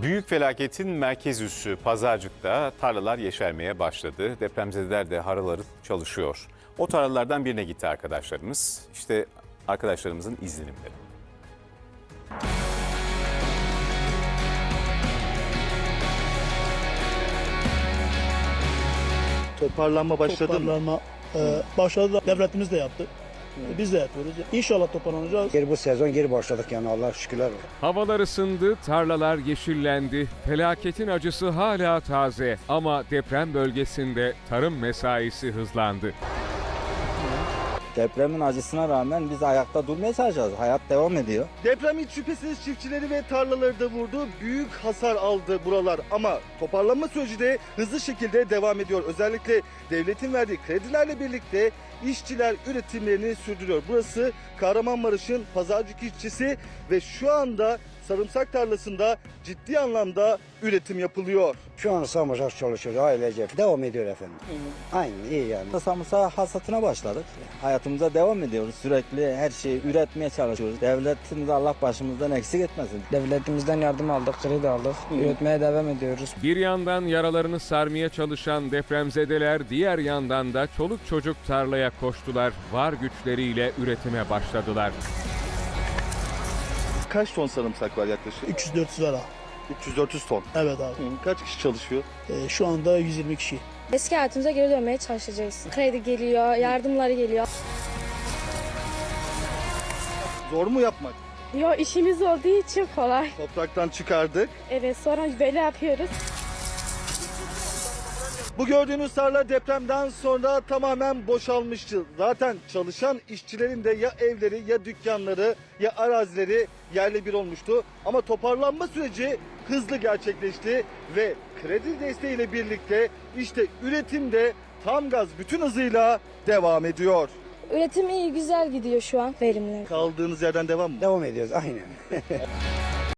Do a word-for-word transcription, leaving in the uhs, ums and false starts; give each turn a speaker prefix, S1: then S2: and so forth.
S1: Büyük felaketin merkez üssü Pazarcık'ta tarlalar yeşermeye başladı. Depremzedeler de harıl harıl çalışıyor. O tarlalardan birine gitti arkadaşlarımız. İşte arkadaşlarımızın izlenimleri.
S2: Toparlanma başladı mı?
S3: Toparlanma e, başladı. Devletimiz de yaptı. E, Biz de yapıyoruz. İnşallah toparlanacağız.
S4: Geri bu sezon geri başladık yani Allah şükürler olsun.
S5: Havalar ısındı, tarlalar yeşillendi. Felaketin acısı hala taze ama deprem bölgesinde tarım mesaisi hızlandı.
S6: Depremin acısına rağmen biz ayakta durmaya çalışacağız. Hayat devam ediyor.
S2: Deprem hiç şüphesiz çiftçileri ve tarlaları da vurdu. Büyük hasar aldı buralar ama toparlanma süreci de hızlı şekilde devam ediyor. Özellikle devletin verdiği kredilerle birlikte işçiler üretimlerini sürdürüyor. Burası Kahramanmaraş'ın Pazarcık ilçesi ve şu anda sarımsak tarlasında ciddi anlamda üretim yapılıyor.
S4: Şu an sarımsak çalışıyoruz ailece. Devam ediyor efendim. Aynen iyi yani.
S6: Samırsak hasatına başladık. Hayatımıza devam ediyoruz. Sürekli her şeyi üretmeye çalışıyoruz. Devletimiz Allah başımızdan eksik etmesin.
S7: Devletimizden yardım aldık, kredi aldık. Üretmeye devam ediyoruz.
S5: Bir yandan yaralarını sarmaya çalışan depremzedeler, diğer yandan da çoluk çocuk tarlaya koştular. Var güçleriyle üretime başladılar.
S2: Kaç ton sarımsak var yaklaşık?
S3: üç yüz dört yüz lira.
S2: üç yüz dört yüz ton.
S3: Evet abi.
S2: Kaç kişi çalışıyor?
S3: E, şu anda yüz yirmi kişi.
S8: Eski hayatımıza geri dönmeye çalışacağız. Kredi geliyor, yardımları geliyor.
S2: Zor mu yapmak?
S8: Yo, işimiz olduğu için kolay.
S2: Topraktan çıkardık.
S8: Evet, sonra böyle yapıyoruz.
S2: Bu gördüğünüz tarla depremden sonra tamamen boşalmıştı. Zaten çalışan işçilerin de ya evleri ya dükkanları ya arazileri yerle bir olmuştu. Ama toparlanma süreci hızlı gerçekleşti ve kredi desteğiyle birlikte işte üretim de tam gaz bütün hızıyla devam ediyor.
S8: Üretim iyi, güzel gidiyor şu an. Verimli.
S2: Kaldığınız yerden devam mı?
S4: Devam ediyoruz aynen.